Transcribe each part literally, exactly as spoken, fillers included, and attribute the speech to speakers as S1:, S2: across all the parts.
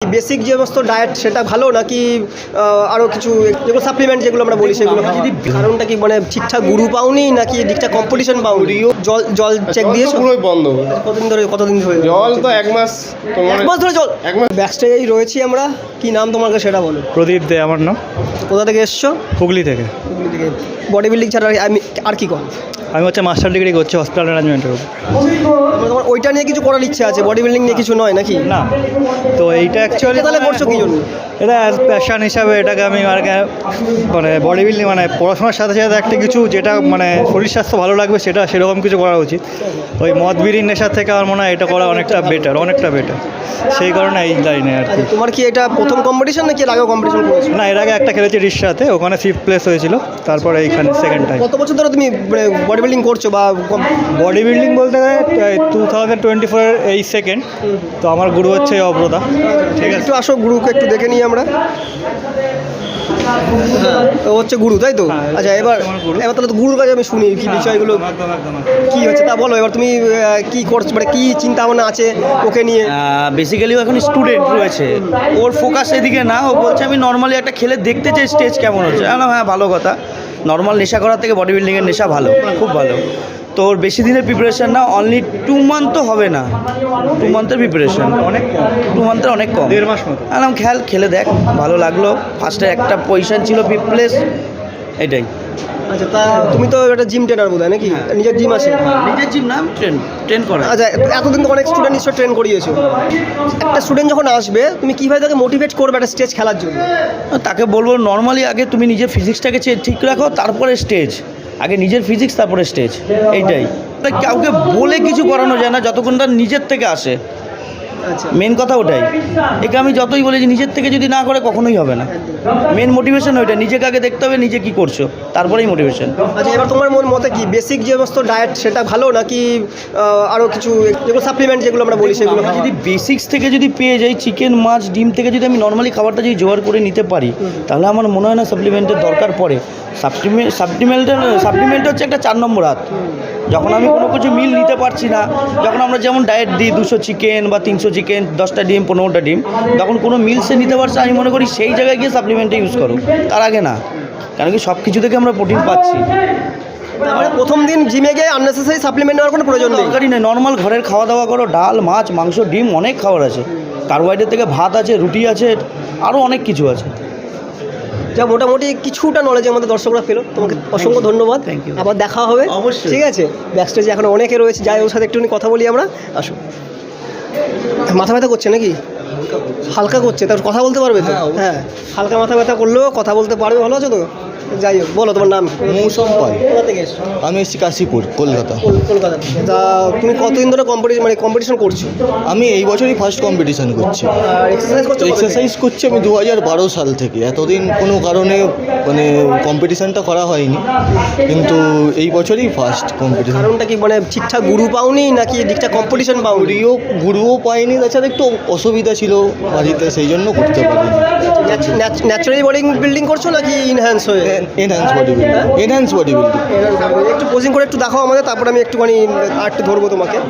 S1: Basic যে সমস্ত diet সেটা ভালো নাকি আরও কিছু যেগুলো সাপ্লিমেন্ট যেগুলো আমরা বলি সেগুলো? যদি কারণটা কি মানে ঠিকঠাক গুরু পাওনি নাকি ঠিকঠাক কম্পিটিশন পাওনি? জল জল চেক দিয়েছো?
S2: পুরোই বন্ধ।
S1: কতদিন ধরে কতদিন ধরে
S2: জল তো এক মাস
S1: এক মাস ধরে জল এক মাস ব্যাকস্টেজেই রয়েছি আমরা। কি নাম তোমাকে সেটা বলো।
S3: প্রদীপ দে আমার নাম।
S1: কোথা থেকে এসছো?
S3: হুগলি থেকে।
S1: হুগলি থেকে। বডি বিল্ডিং ছাড়া আমি আর কি কর?
S3: আমি হচ্ছে মাস্টার ডিগ্রি করছি হসপিটাল ম্যানেজমেন্টের উপর।
S1: তোমার ওইটা নিয়ে কিছু করার ইচ্ছা আছে, বডি বিল্ডিং নিয়ে কিছু নয় নাকি?
S3: না, তো এইটা অ্যাকচুয়ালি
S1: তাহলে করছো কি জন্য?
S3: এটা অ্যাজ প্যাশন হিসাবে এটাকে আমি আর মানে বডি বিল্ডিং মানে পড়াশোনার সাথে সাথে একটা কিছু যেটা মানে শরীর স্বাস্থ্য ভালো লাগবে সেটা সেরকম কিছু করা উচিত। ওই মদ বিড়ির নেশার থেকে আমার মনে হয় এটা করা অনেকটা বেটার, অনেকটা বেটার। সেই কারণে এই লাইনে আর কি।
S1: তোমার কি এটা প্রথম কম্পিটিশন নাকি এর আগেও কম্পিটিশন করেছো?
S3: না, এর আগে একটা খেলেছি রিসাতে, ওখানে ফিফথ প্লেস হয়েছিল। তারপরে এইখানে সেকেন্ড টাইম।
S1: কত বছর ধরে তুমি বডি বিল্ডিং করছো বা
S3: বডি বিল্ডিং বলতে গেলে টু থাউজেন্ড টোয়েন্টি ফোরের এই সেকেন্ড। তো আমার গুরু হচ্ছে অব্রতা। ঠিক আছে,
S1: একটু আসো গুরুকে একটু দেখে নিই আমরা। ও হচ্ছে গুরু, তাই তো? আচ্ছা, এবার এবার তাহলে গুরুর কাছে আমি শুনি কি বিষয়গুলো কি হচ্ছে তা বলো। এবার তুমি কি করছো, মানে কি চিন্তা ভাবনা আছে ওকে নিয়ে?
S4: বেসিক্যালি ও এখন স্টুডেন্ট রয়েছে, ওর ফোকাস এদিকে না। ও বলছে আমি নর্মালি একটা খেলে দেখতে চাই স্টেজ কেমন হচ্ছে। হ্যাঁ, ভালো কথা। নর্মাল নেশা করার থেকে বডি বিল্ডিংয়ের নেশা ভালো, খুব ভালো। তো ওর বেশি দিনের প্রিপারেশান না, অনলি টু মান্থ তো হবে না, টু মান্থের প্রিপারেশান অনেক কম, টু মান্থের অনেক কম,
S3: দেড় মাস মতো।
S4: আলাম খেল খেলে দেখ, ভালো লাগলো। ফার্স্টে একটা পজিশন ছিল ফিফথ প্লেস, এটাই।
S1: আচ্ছা, তা তুমি তো একটা জিম ট্রেনার বোধ হয় নাকি? নিজের জিম আছে?
S4: নিজের জিম না, আমি ট্রেন ট্রেন করা।
S1: আচ্ছা, এতদিন তো অনেক স্টুডেন্ট নিশ্চয় ট্রেন করিয়েছো। একটা স্টুডেন্ট যখন আসবে তুমি কীভাবে তাকে মোটিভেট করবে একটা স্টেজ খেলার জন্য?
S4: তাকে বলবো নর্মালি আগে তুমি নিজের ফিজিক্সটাকে ঠিক রাখো, তারপরে স্টেজ। আগে নিজের ফিজিক্স, তারপরে স্টেজ, এইটাই। কাউকে বলে কিছু করানো যায় না যতক্ষণ তার নিজের থেকে আসে। মেন কথা ওটাই। একে আমি যতই বলি যে নিজের থেকে যদি না করে কখনোই হবে না। মেন মোটিভেশন ওইটা, নিজেকে আগে দেখতে হবে নিজে কী করছো, তারপরেই মোটিভেশন।
S1: আচ্ছা, এবার তোমার মন মতে কি বেসিক যে সমস্ত ডায়েট সেটা ভালো নাকি আরও কিছু যেগুলো সাপ্লিমেন্ট যেগুলো আমরা বলি সেগুলো?
S4: যদি বেসিক্স থেকে যদি পেয়ে যাই, চিকেন মাছ ডিম থেকে যদি আমি নর্মালি খাবারটা যদি জোগাড় করে নিতে পারি, তাহলে আমার মনে হয় না সাপ্লিমেন্টের দরকার পড়ে। সাপ্লিমেন্ট সাপ্লিমেন্টের সাপ্লিমেন্ট হচ্ছে একটা চার নম্বর হাত। যখন আমি কোনো কিছু মিল নিতে পারছি না, যখন আমরা যেমন ডায়েট দিই দুশো চিকেন বা তিনশো চিকেন, দশটা ডিম, পনেরোটা ডিম, তখন কোনো মিল সে নিতে পারছে, আমি মনে করি সেই জায়গায় গিয়ে সাপ্লিমেন্টটা ইউজ করো, তার আগে না। কারণ কি সব কিছু থেকে আমরা প্রোটিন পাচ্ছি।
S1: মানে প্রথম দিন জিমে গিয়ে আননেসেসারি সাপ্লিমেন্ট নেওয়ার কোনো প্রয়োজন নেই?
S4: দরকারই নেই, নর্মাল ঘরের খাওয়া দাওয়া করো। ডাল, মাছ, মাংস, ডিম, অনেক খাবার আছে। কার্বোহাইড্রেট থেকে ভাত আছে, রুটি আছে, আরও অনেক কিছু আছে।
S1: যা মোটামুটি কিছুটা নলেজ আমাদের দর্শকরা পেলো। তোমাকে অসংখ্য ধন্যবাদ।
S4: Thank you.
S1: আবার দেখা হবে
S4: অবশ্যই।
S1: ঠিক আছে? ব্যাকস্টেজে এখন অনেকে রয়েছে, যাই ওর সাথে একটুখানি কথা বলি আমরা। আসো। মাথা ব্যথা করছে নাকি? হালকা করছে, তার কথা বলতে পারবে তো? হ্যাঁ, হালকা মাথা ব্যথা করলেও কথা বলতে পারবে। ভালো আছো তো? যাই হোক, বলো তোমার নাম?
S5: মৌসুম পাল।
S1: কোথা থেকে এসছো?
S5: আমি এসেছি কাশীপুর, কলকাতা।
S1: কলকাতা থেকে। তা তুমি কতদিন ধরে কম্পিটিশন মানে কম্পিটিশন করছো?
S5: আমি এই বছরই ফার্স্ট কম্পিটিশন করছি।
S1: আর এক্সারসাইজ করছো?
S5: এক্সারসাইজ করছি আমি দু হাজার বারো সাল থেকে। এতদিন কোনো কারণে মানে কম্পিটিশানটা করা হয়নি, কিন্তু এই বছরই ফার্স্ট কম্পিটিশান।
S1: কারণটা কি মানে ঠিকঠাক গুরু পাওনি নাকি ঠিকঠাক কম্পিটিশন পাওনি?
S5: গুরুও গুরুও পাইনি, তাছাড়া একটু অসুবিধা ছিল বাড়িতে, সেই জন্য করতে পারিনি।
S1: ন্যাচারালি বডি বিল্ডিং করছো নাকি ইনহ্যান্স হয়ে?
S5: Enhance body building. Enhance body building.
S1: একটু পোজিং করে একটু দেখাও আমাদের, তারপরে আমি একটুখানি আর একটু ধরবো তোমাকে।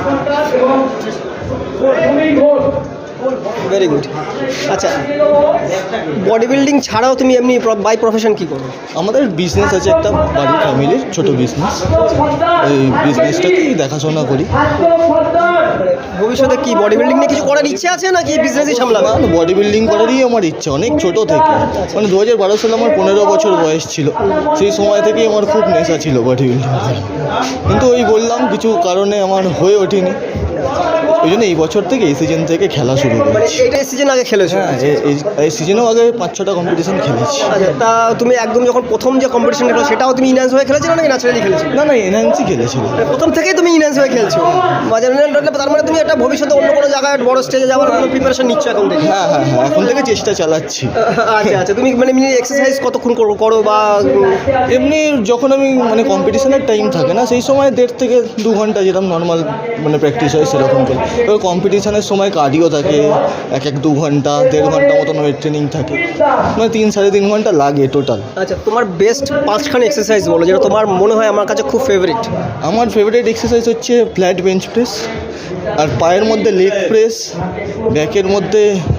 S1: Very good. আচ্ছা, বডি বিল্ডিং ছাড়াও তুমি এমনি বাই প্রফেশন কী করো?
S5: আমাদের বিজনেস আছে একটা, বাড়ির ফ্যামিলির ছোটো বিজনেস। এই বিজনেসটাকেই দেখাশোনা করি।
S1: ভবিষ্যতে কি বডি বিল্ডিং নিয়ে কিছু করার ইচ্ছে আছে নাকি বিজনেসই সামলাবে?
S5: না, বডি বিল্ডিং করারই আমার ইচ্ছা অনেক ছোটো থেকে। মানে দু হাজার বারো সালে আমার পনেরো বছর বয়স ছিল, সেই সময় থেকেই আমার খুব নেশা ছিল বডি বিল্ডিং করার। কিন্তু ওই বললাম কিছু কারণে আমার হয়ে ওঠেনি, ওই জন্য এই বছর থেকে এই সিজন থেকে খেলা শুরু করেছি।
S1: এইটা সিজন আগে খেলেছো?
S5: হ্যাঁ, এই সিজনেও আগে পাঁচ ছটা কম্পিটিশন খেলেছি।
S1: আচ্ছা, তা তুমি একদম যখন প্রথম যে কম্পিটিশন খেলো সেটাও তুমি ইনহ্যান্স হয়ে খেলেছিলে নাকি ন্যাচারালি খেলেছিলে?
S5: না না, এনহ্যান্সই খেলেছিল।
S1: প্রথম থেকেই তুমি ইনহ্যান্স হয়ে খেলছো? তার মানে তুমি একটা ভবিষ্যতে অন্য কোনো জায়গায় বড় স্টেজে যাওয়ার কোনো প্রিপারেশন নিচ্ছ এখন থেকে?
S5: হ্যাঁ হ্যাঁ হ্যাঁ, এখন থেকে চেষ্টা চালাচ্ছি।
S1: আচ্ছা আচ্ছা, তুমি মানে এক্সারসাইজ কতক্ষণ করো করো বা
S5: এমনি যখন আমি মানে কম্পিটিশনের টাইম থাকে না, সেই সময় দেড় থেকে দু ঘন্টা যেরকম নর্মাল মানে প্র্যাকটিস হয় সেরকম করি। এবার কম্পিটিশনের সময় কার্ডিও থাকে এক এক দু ঘন্টা, দেড় ঘন্টা মতন ওয়েট ট্রেনিং থাকে, মানে তিন সাড়ে তিন ঘন্টা লাগে টোটাল।
S1: আচ্ছা, তোমার বেস্ট পাঁচখান এক্সারসাইজ বলো যেটা তোমার মনে হয় আমার কাছে খুব ফেভারিট।
S5: আমার ফেভারিট এক্সারসাইজ হচ্ছে ফ্ল্যাট বেঞ্চ প্রেস, আর পায়ের মধ্যে লেগ প্রেস, ব্যাকের মধ্যে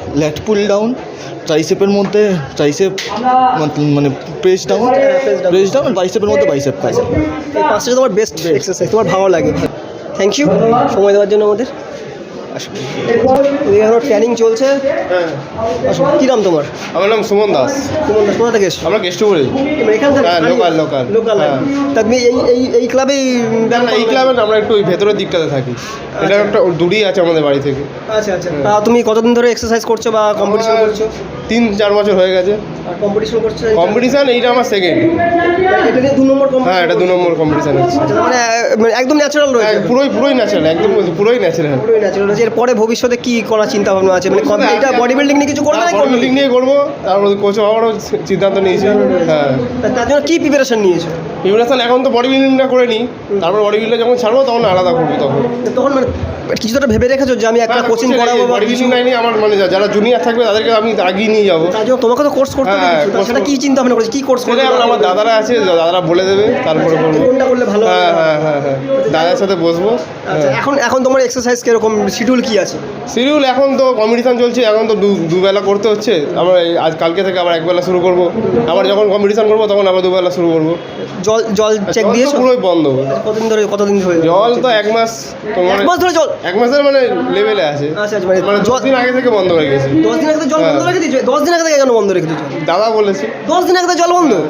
S5: ল্যাট পুল ডাউন, ট্রাইসেপের মধ্যে ট্রাইসেপ মানে প্রেস ডাউন, প্রেস ডাউন আর বাইসেপের মধ্যে বাইসেপ।
S1: এই পাঁচটা তোমার বেস্ট এক্সারসাইজ, তোমার ভালো লাগে। থ্যাংক ইউ সময় দেওয়ার জন্য আমাদের। আসো, এখন ট্রেনিং চলছে। আসো, কী নাম তোমার?
S2: আমার নাম সুমন দাস।
S1: সুমন দাস, কোথা থেকে এসছো?
S2: আমরা কেষ্টপুরে।
S1: এখান থেকে?
S2: হ্যাঁ, local, local।
S1: লোকাল।
S2: হ্যাঁ।
S1: তা তুমি এই এই এই ক্লাবেই
S2: না না, এই ক্লাবে না, আমরা একটু ওই ভেতরের দিকটাতে থাকি। এটা একটা দূরই আছে আমাদের বাড়ি থেকে।
S1: আচ্ছা আচ্ছা। তা তুমি কতদিন ধরে এক্সারসাইজ করছো বা কম্পিটিশন
S2: আমার
S1: করছো?
S2: তিন চার বছর হয়ে গেছে।
S1: আর কম্পিটিশন করছো?
S2: কম্পিটিশান এইটা আমার সেকেন্ড।
S1: এটা নিয়ে দু নম্বর competition
S2: হ্যাঁ, এটা দু নম্বর কম্পিটিশান হচ্ছে।
S1: আচ্ছা, মানে মানে একদম ন্যাচারাল রয়েছে।
S2: হ্যাঁ, পুরোই পুরোই ন্যাচারাল, একদম পুরোই ন্যাচারাল।
S1: পুরোই ন্যাচারাল রয়েছে। এরপরে ভবিষ্যতে কি করার চিন্তা ভাবনা আছে? মানে কম- এটা বডি বিল্ডিং নিয়ে কিছু করবে না?
S2: বডি বিল্ডিং নিয়ে করবো, তারপর কোচ হওয়ারও সিদ্ধান্ত নিয়েছি। হ্যাঁ,
S1: তা- তার জন্য কি প্রিপারেশন নিয়েছো?
S2: প্রিপারেশন এখন তো বডি বিল্ডিংটা করে নিই, তারপর বডি বিল্ডিং যখন ছাড়বো তখন আলাদা করবো। তখন
S1: তখন মানে কিছু তো একটা ভেবে রেখেছো যে আমি একটা কোচিং করাবো বা
S2: বডি
S1: কিছু?
S2: বিল্ডিং লাইনে আমার মানে যা- যারা জুনিয়র থাকবে তাদেরকে আমি আগিয়ে নিয়ে যাবো।
S1: তার জন্য তোমাকে তো কোর্স করতে হবে
S2: হ্যাঁ,
S1: কিছু। তা
S2: course
S1: সেটা কি
S2: করতে-
S1: চিন্তা ভাবনা করেছো? কি কোর্স করবে?
S2: সেটা এখন আমার দাদারা আছে, দাদারা বলে দেবে, তারপরে করবো।
S1: কোনটা করলে ভালো হবে?
S2: হ্যাঁ হ্যাঁ হ্যাঁ হ্যাঁ দাদার সাথে বসবো।
S1: আচ্ছা, এখন এখন তোমার এক্সারসাইজ কিরকম শিডিউল কি আছে?
S2: শিডিউল এখন তো কম্পিটিশান চলছে, এখন তো দু- দুবেলা করতে হচ্ছে। আবার এই আজ কালকে থেকে আবার একবেলা শুরু করবো। আবার যখন কম্পিটিশান করবো তখন আবার দুবেলা শুরু করবো।
S1: জল জল চেক
S2: জল তো
S1: দিয়েছো?
S2: পুরোই বন্ধ।
S1: কতদিন ধরে কতদিন ধরে
S2: জল তো এক মাস তোমার
S1: এক মাস ধরে জল?
S2: এক মাসের মানে লেভেলে আছে।
S1: আচ্ছা আচ্ছা, মানে
S2: মানে দশ
S1: জল
S2: দিন আগে থেকে বন্ধ হয়ে গেছে।
S1: দশ দিন আগে তো জল
S2: হ্যাঁ।
S1: বন্ধ রেখে দিয়েছো? দশ দিন আগে থেকে কেন বন্ধ রেখে দিয়েছো?
S2: দাদা বলেছে।
S1: দশ দিন আগে থেকে জল বন্ধ?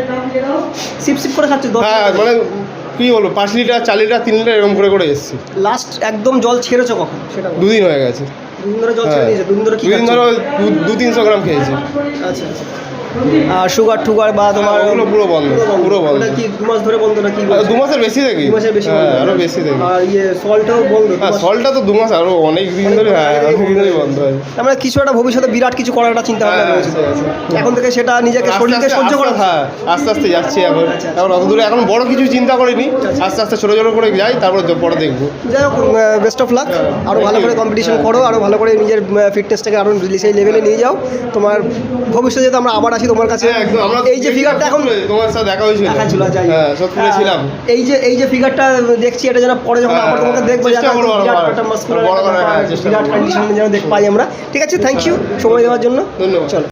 S1: সিপ সিপ করে খাচ্ছো?
S2: হ্যাঁ, মানে কী বলবো, পাঁচ লিটার চার লিটার তিন লিটার এরকম করে করে এসেছি।
S1: লাস্ট একদম জল ছেড়েছো কখন সেটা বলো।
S2: দুদিন হয়ে গেছে।
S1: দুদিন ধরে জল ছেড়ে
S2: হ্যাঁ,
S1: দিয়েছো? দুদিন ধরে কি
S2: দুদিন
S1: খাচ্ছো?
S2: ধরে দু- দু তিনশো গ্রাম খেয়েছি।
S1: আচ্ছা আচ্ছা। আর সুগার টুগার বা তোমার
S2: হ্যাঁ, ওগুলো পুরো বন্ধ, পুরো বন্ধ।
S1: ওটা কি দু মাস ধরে বন্ধ নাকি?
S2: আর দু মাসের বেশি দেখি।
S1: দু মাসের বেশি
S2: হ্যাঁ,
S1: বন্ধ।
S2: আরো বেশি দেখি।
S1: আর ইয়ে সল্টও বন্ধ? দু
S2: হ্যাঁ,
S1: মাস-
S2: সলটা তো দু মাস আরো অনেক দিন ধরে। হ্যাঁ, অনেক দিন ধরে বন্ধ হয়।
S1: তার মানে কিছু একটা ভবিষ্যতে বিরাট কিছু করার একটা চিন্তা ভাবনা
S2: হ্যাঁ,
S1: রয়েছে।
S2: আছে, আছে।
S1: এখন থেকে সেটা নিজেকে
S2: আস্তে
S1: শরীরকে
S2: আস্তে-
S1: সহ্য করা।
S2: আস্তে- হ্যাঁ, আস্তে আস্তে যাচ্ছি এখন।
S1: আচ্ছা,
S2: এখন অত দূরে এখন বড় কিছু চিন্তা করিনি। আস্তে আস্তে ছোটো ছোটো করে যাই, তারপর দ- পরে দেখবো।
S1: যাই হোক, বেস্ট অফ লাক। আরও ভালো করে কম্পিটিশন করো, আরও ভালো করে নিজের ফিটনেসটাকে আরও সেই লেভেলে নিয়ে যাও। তোমার ভবিষ্যতে যাতে আমরা আবার আসি তোমার কাছে।
S2: হ্যাঁ, একদম। আমরা
S1: এই যে ফিগারটা এখন
S2: তোমার সাথে দেখা হয়েছিল।
S1: দেখা ছিল, যাই হোক।
S2: হ্যাঁ, সোদপুরে ছিলাম।
S1: এই যে এই যে ফিগারটা দেখছি, এটা যেন পরে যখন
S2: হ্যাঁ,
S1: আবার তোমাকে দেখবো,
S2: চেষ্টা
S1: যাতে
S2: করবো আরো
S1: বিরাট
S2: বড়-
S1: একটা muscular
S2: বড়
S1: একটা
S2: করার, হ্যাঁ,
S1: ব্যাপার,
S2: চেষ্টা
S1: বিরাট
S2: করবো।
S1: কন্ডিশন যেন দেখ পাই আমরা। ঠিক আছে, থ্যাংক ইউ সময় দেওয়ার জন্য।
S2: ধন্যবাদ।
S1: চলো।